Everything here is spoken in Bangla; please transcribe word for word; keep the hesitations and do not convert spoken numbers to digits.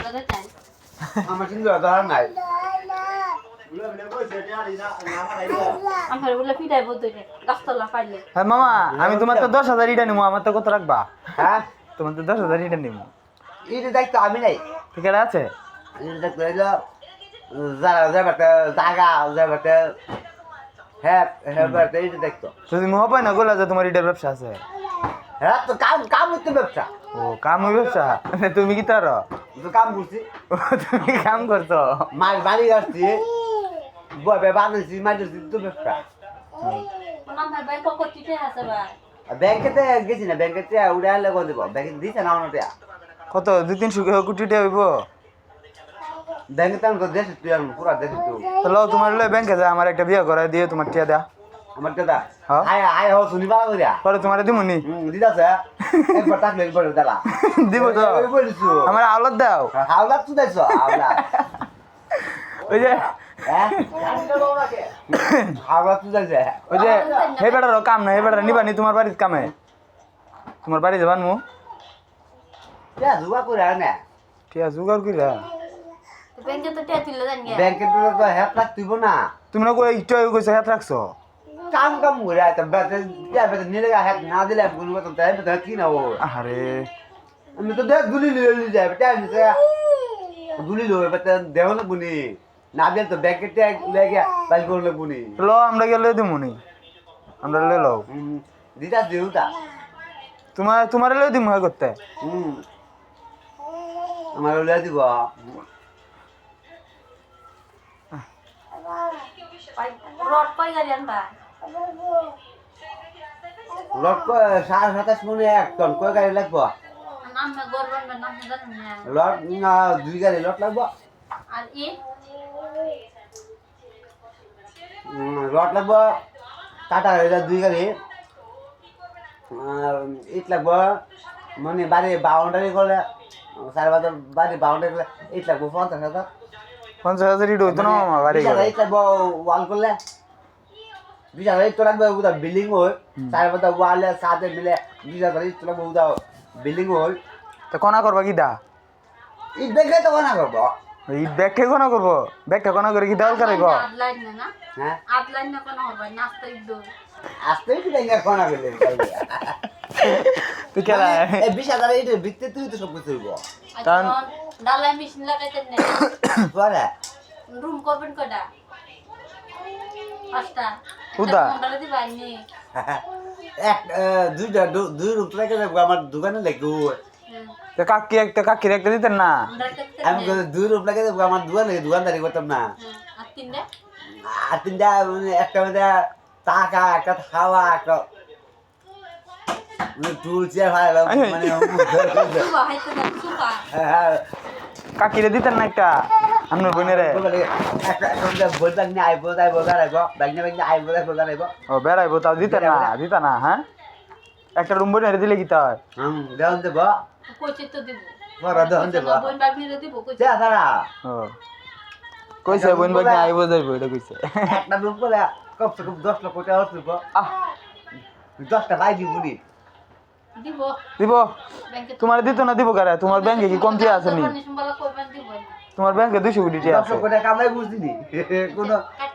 দাদা চাই আমার কিন্তু ধরা নাই আমার বলে পিটাই বলতে গাছতলা পাইলে হ্যাঁ মামা আমি তোমার তো দশ হাজার ইটা নিবো আমার তো কত রাখবা হ্যাঁ তোমার তো দশ হাজার ইটা নিবো এটা দেখতো আমি নাই ঠিক আছে এটা দেখতো এলো যারা যাবাতে জাগা যাবাতে হ্যাঁ হ্যাঁ বাতে এটা দেখতো যদি মোহ পাই না গোলা যে তোমার ইটার ব্যবসা আছে হ্যাঁ তো কাম কাম হচ্ছে ব্যবসা ও কাম ওই ব্যবসা তুমি কি তার তো কাম করছি তুমি কাম করছো মাছ বাড়ি আসছি বয় বানাইছি মাছ তো ব্যবসা আমার ভাই পকেটে আছে ভাই ব্যাংকেতে গেছি না ব্যাংকেতে উড়ে আনলে কত দেবো ব্যাংকে দিছে না ওনাটা কত দুই তিনশো কোটি টাকা হইব ব্যাংকে তো আমি দেশ তুই আমি পুরা দেশ তুই তাহলে তোমার লয় ব্যাংকে যা আমার একটা বিয়ে করে দিয়ে তোমার টিয়া দেয়া আমার দাদা হ্যাঁ? আয় আয় হো শুনি বাবা কইরা পরে তোমার দিমুনি হুম দিদাছে একবার টাকলে একবার দাদা দিব তো ওই বলিছো আমার আওলাদ দাও হাওলা তুই দাইছো হাওলা ওই যে হ্যাঁ হাওলা তুই দাইছে ওই যে হে বেটার কাম না হে বেটার নিবানি তোমার বাড়ির কামে তোমার বাড়ি যাবান মু যা জুয়া করে আনে টিয়া জোগাড় কইরা ব্যাংকে তো টিয়া তুলে জানি ব্যাংকে তো হ্যাপ লাগতিব না তুমি না কই একটু আগে কইছো হাত রাখছো কাম কাম করে আইতা বেতে যা বেতে নিলে হ্যাপ না দিলে কোন মত তাই বেতে কি না ও আরে আমি তো দেখ গুলি লিয়ে যায় বেটা নিছে গুলি লয়ে বেতে দেও না বুনি না দিলে তো ব্যাংকে ট্যাগ লেগে বাইল করলে বুনি লো আমরা গেলে দিমুনি আমরা লই লও হুম দিদা দেউতা তোমার তোমার লই দিমু হয় করতে হুম আমার লয়ে দিব রড পাই গাড়ি আনবা লট সাড়ে সাতাশ মনে এক টন কয় গাড়ি লাগবো নাম না গরবান না নাম জানেন না লট না দুই গাড়ি লট লাগবো আর ই লট লাগবো টাটা এটা দুই গাড়ি ইট লাগবো মানে বাড়ি বাউন্ডারি করলে সাড়ে বাজার বাড়ি বাউন্ডারি করলে ইট লাগবো পঞ্চাশ হাজার পঞ্চাশ হাজার ইট হইতো না মামা বাড়ি বিশ হাজার ইট লাগবো ওয়াল করলে বিশ হাজার ইট তো লাগবে উদা বিল্ডিং হয় সাড়ে বাজার ওয়ালে সাথে মিলে বিশ হাজার ইট লাগবে উদা বিল্ডিং হয় তো কোনা করবা কি দা ইট দেখলে তো না করবো ইট ব্যাগকে কোনা করবো ব্যাগটা কোনা করে কি দাল করে গো আট লাইন না না হ্যাঁ আট লাইন না কোনো হবে নাস্তা ইদ্দো আসতে কি দেখে কোনা গেলে তুই খেলা এই বিশ হাজার ইট বিকতে তুই তো সব কিছু হইব এখন ডালাই মেশিন লাগাইতেন না পরে রুম করবেন কয়টা পাঁচটা উদা। মন্ডলে দিবা নি এক দুইটা দুই রূপ রেখে যাবো আমার দোকানে লেগু তো কাকি একটা কাকির একটা দিতেন না আমরা দেখতে আমি দুই রূপ রেখে যাবো আমার দোকানে দোকানদারি করতাম না আর তিনটা আর তিনটা মানে একটা মধ্যে টাকা একটা খাওয়া একটা টুল চেয়ার ভাই মানে সুবা হাইতে না সুবা কাকিরে দিতেন না একটা আপনার বোনেরে একটা একটা বই ব্যাগ নিয়ে আইবো যাইবো বেড়াইবো ব্যাগ নিয়ে ব্যাগ নিয়ে আইবো যাইবো বেড়াইবো ও বেড়াইবো তাও দিতেন না দিতা না হ্যাঁ একটা রুম বোনেরে দিলে কি তাই হুম দেওয়ান দেবো কইছে তো দিব বড় দেওয়ান দেবো বোন বাগ নিয়ে দিব কইছে যা তারা ও কইছে বোন বাগ নিয়ে আইবো যাইবো এটা কইছে একটা রুম করে কমসে কম দশ লক্ষ টাকা হচ্ছে আহ দশটা ভাই দিব নি দিব দিব ব্যাংকে তোমার দিত না দিব কারে তোমার ব্যাংকে কি কমতি আছে নি সম্বল কইবেন দিব তোমার ব্যাংকে দুইশো কোটি টাকা দশ আছে লক্ষ টাকা কামাই বুঝছি নি কোনো কাট